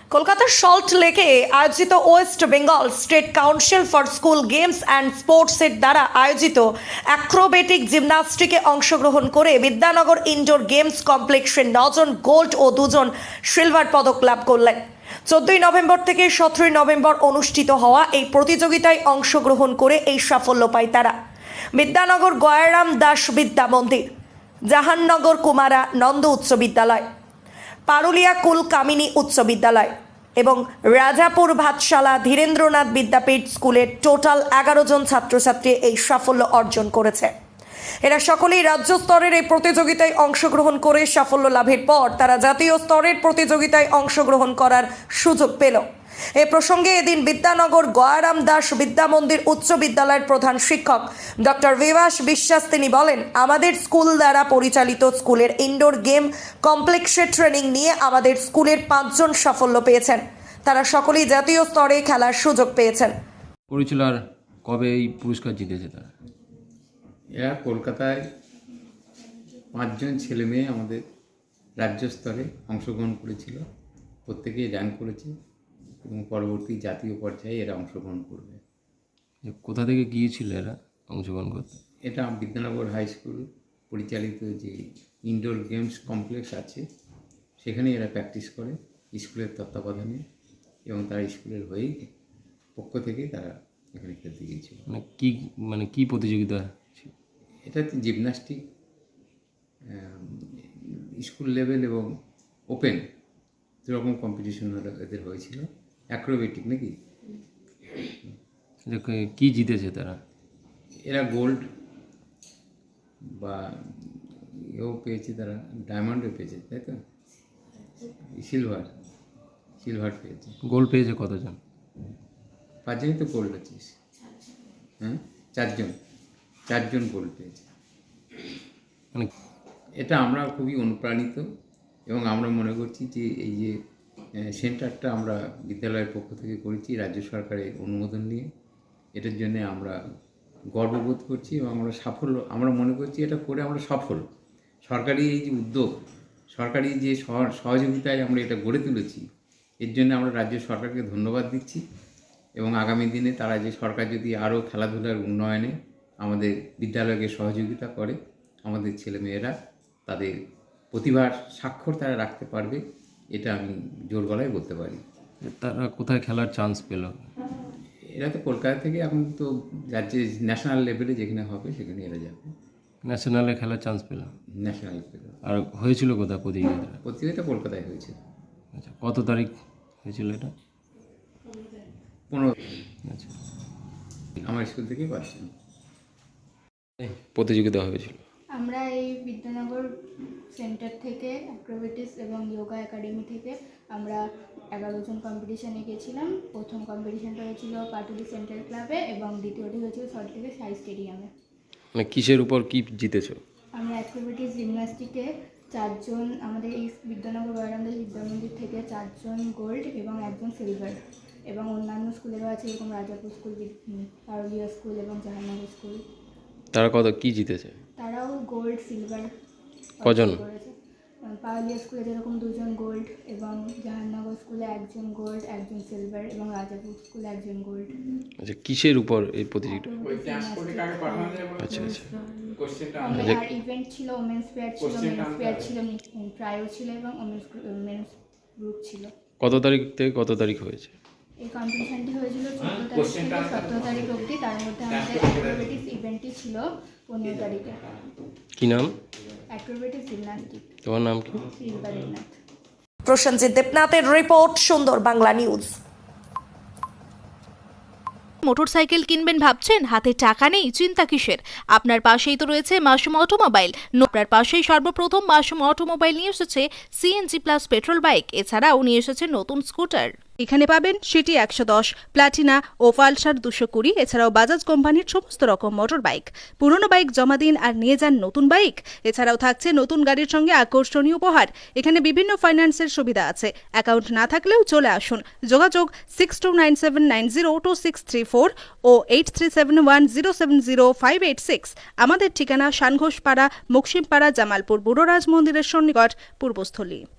কলকাতার সল্ট লেকে আয়োজিত West Bengal State Council for School Games and স্পোর্টসের দ্বারা আয়োজিত অ্যাক্রোবেটিক জিমন্যাস্টিকে অংশগ্রহণ করে বিদ্যানগর ইনডোর গেমস কমপ্লেক্সে 9 জন গোল্ড ও 2 জন সিলভার পদক লাভ করলেন। 14 নভেম্বর থেকে 17 নভেম্বর অনুষ্ঠিত হওয়া এই প্রতিযোগিতায় অংশগ্রহণ করে এই সাফল্য পায় তারা। বিদ্যানগর গয়ারাম দাস বিদ্যা মন্দির, জাহাননগর কুমারা নন্দ উচ্চ বিদ্যালয়, পারুলিয়া কুল কামিনী উচ্চ বিদ্যালয় এবং রাজাপুর ভাতশালা ধীরেন্দ্রনাথ বিদ্যাপীঠ স্কুলের টোটাল 11 জন ছাত্রছাত্রী এই সাফল্য অর্জন করেছে। এরা সকলেই রাজ্য স্তরের এই প্রতিযোগিতায় অংশগ্রহণ করে সাফল্য লাভের পর তারা জাতীয় স্তরের প্রতিযোগিতায় অংশগ্রহণ করার সুযোগ পেল। এ প্রসঙ্গে এদিন বিদ্যানগর গয়ারাম দাস বিদ্যা মন্দির উচ্চ বিদ্যালয়ের প্রধান শিক্ষক ডক্টর বিভাস বিশ্বাস তিনি বলেন, আমাদের স্কুল দ্বারা পরিচালিত স্কুলের ইনডোর গেম কমপ্লেক্সে ট্রেনিং নিয়ে আমাদের স্কুলের 5 জন সাফল্য পেয়েছেন। তারা সকলেই জাতীয় স্তরে খেলার সুযোগ পেয়েছেন। করেছিল আর কবে এই পুরস্কার জিতেছে তারা? এরা কলকাতায় 5 জন ছেলে মেয়ে আমাদের রাজ্য স্তরে অংশগ্রহণ করেছিল, প্রত্যেকেই র্যাঙ্ক করেছে এবং পরবর্তী জাতীয় পর্যায়ে এরা অংশগ্রহণ করবে। কোথা থেকে গিয়েছিল এরা অংশগ্রহণ করতে? এটা বিদ্যানগর হাই স্কুল পরিচালিত যে ইনডোর গেমস কমপ্লেক্স আছে সেখানে এরা প্র্যাকটিস করে স্কুলের তত্ত্বাবধানে, এবং তারা স্কুলের হয়েই পক্ষ থেকে তারা এখানে খেলতে গিয়েছিল। কি প্রতিযোগিতা ছিল? এটা জিমন্যাস্টিক স্কুল লেভেল এবং ওপেন দুরকম কম্পিটিশন এদের হয়েছিল। অ্যাক্রোবেটিক নাকি কি জিতেছে তারা? এরা গোল্ড বা এও পেয়েছে, তারা ডায়মন্ডও পেয়েছে, তাই তো সিলভার পেয়েছে। গোল্ড পেয়েছে কতজন? 5 জনই তো গোল্ড আছিস। হ্যাঁ, 4 জন গোল্ড পেয়েছে। এটা আমরা খুবই অনুপ্রাণিত এবং আমরা মনে করছি যে এই যে সেন্টারটা আমরা বিদ্যালয়ের পক্ষ থেকে করেছি রাজ্য সরকারের অনুমোদন নিয়ে, এটার জন্য আমরা গর্ববোধ করছি এবং আমরা মনে করছি এটা করে আমরা সফল। সরকারি এই যে উদ্যোগ, সরকারি যে সহযোগিতায় আমরা এটা গড়ে তুলেছি, এর জন্য আমরা রাজ্য সরকারকে ধন্যবাদ দিচ্ছি এবং আগামী দিনে তারা যে সরকার যদি আরও খেলাধুলার উন্নয়নে আমাদের বিদ্যালয়কে সহযোগিতা করে, আমাদের ছেলেমেয়েরা তাদের প্রতিভার স্বাক্ষর তারা রাখতে পারবে, এটা আমি জোর গলায় বলতে পারি। তারা কোথায় খেলার চান্স পেল? এরা তো কলকাতা থেকে এখন তো রাজ্যে ন্যাশনাল লেভেলে যেখানে হবে সেখানে এরা যাবে। ন্যাশনালে খেলার চান্স পেল? ন্যাশনাল পেল। আর হয়েছিল কোথায় প্রতিযোগিতাটা? প্রতিযোগিতা কলকাতায় হয়েছে। আচ্ছা, কত তারিখ হয়েছিল এটা? 15। আচ্ছা, আমার স্কুল থেকে পাচ্ছেন প্রতিযোগিতা হয়েছিল। আমরা এই বিদ্যানগর সেন্টার থেকে অ্যাক্রোবেটিক্স এবং যোগা একাডেমি থেকে আমরা 11 জন কম্পিটিশানে গিয়েছিলাম। প্রথম কম্পিটিশানটা হয়েছিল পাটুলি সেন্ট্রাল ক্লাবে এবং দ্বিতীয়টি হয়েছিল সল্ট লেকের সাই স্টেডিয়ামে। কিসের উপর কি জিতেছো? আমরা অ্যাক্রোবেটিক্স জিমন্যাস্টিকে 4 জন, আমাদের এই বিদ্যানগর গয়ারাম দাস বিদ্যা মন্দির থেকে 4 জন গোল্ড এবং 1 জন সিলভার, এবং অন্যান্য স্কুলেরও আছে, এরকম রাজাপুর স্কুল, পারুলিয়া স্কুল এবং জাহাননগর স্কুল। তারা কি জিতেছে? তারাও গোল্ড সিলভার কজন? করেছে। পারুলিয়া স্কুলে যেরকম 2 জন গোল্ড এবং জাহাননগর স্কুলে 1 জন গোল্ড 1 জন সিলভার এবং রাজাপুর স্কুলে 1 জন গোল্ড। আচ্ছা, কিসের উপর এই প্রতিযোগিতা? আচ্ছা আচ্ছা। আর ইভেন্ট ছিল, ওমেন্স ফেয়ার ছিল, মেন্স ফেয়ার ছিল, ট্রায়ো ছিল এবং মেন্স গ্রুপ ছিল। কত তারিখ থেকে কত তারিখ হয়েছে? এই কম্পিটিশনটি হয়েছিল 14 তারিখ থেকে 17 তারিখ অবধি। তার মধ্যে আমাদের অ্যাক্রোবেটিক্স ইভেন্টটি ছিল 15 তারিখে। কি নাম? Acrobatics gymnastic. তোমার নাম কি? দেবনাথ। প্রসেনজিৎ দেবনাথের রিপোর্ট, সুন্দর বাংলা নিউজ। মোটরসাইকেল কিনবেন ভাবছেন, হাতে টাকা নেই? চিন্তা কিসের? আপনার পাশেই তো রয়েছে মাসুম অটোমোবাইল। আপনার পাশেই সর্বপ্রথম মাসুম অটোমোবাইল নিয়ে এসেছে সিএনজি প্লাস পেট্রোল বাইক, এছাড়াও নিয়ে এসেছে নতুন স্কুটার। এখানে পাবেন সিটি 110, প্লাটিনা ও পালসার 220, এছাড়াও বাজাজ কোম্পানির সমস্ত রকম মোটর বাইক। পুরনো বাইক জমা দিন আর নিয়ে যান নতুন বাইক। এছাড়াও থাকছে নতুন গাড়ির সঙ্গে আকর্ষণীয় উপহার। এখানে বিভিন্ন ফাইন্যান্সের সুবিধা আছে। অ্যাকাউন্ট না থাকলেও চলে আসুন। যোগাযোগ 6297902634 ও 8371070586। আমাদের ঠিকানা শানঘোষপাড়া, মুকসিমপাড়া, জামালপুর বুড়োরাজ মন্দিরের সন্নিকট, পূর্বস্থলী।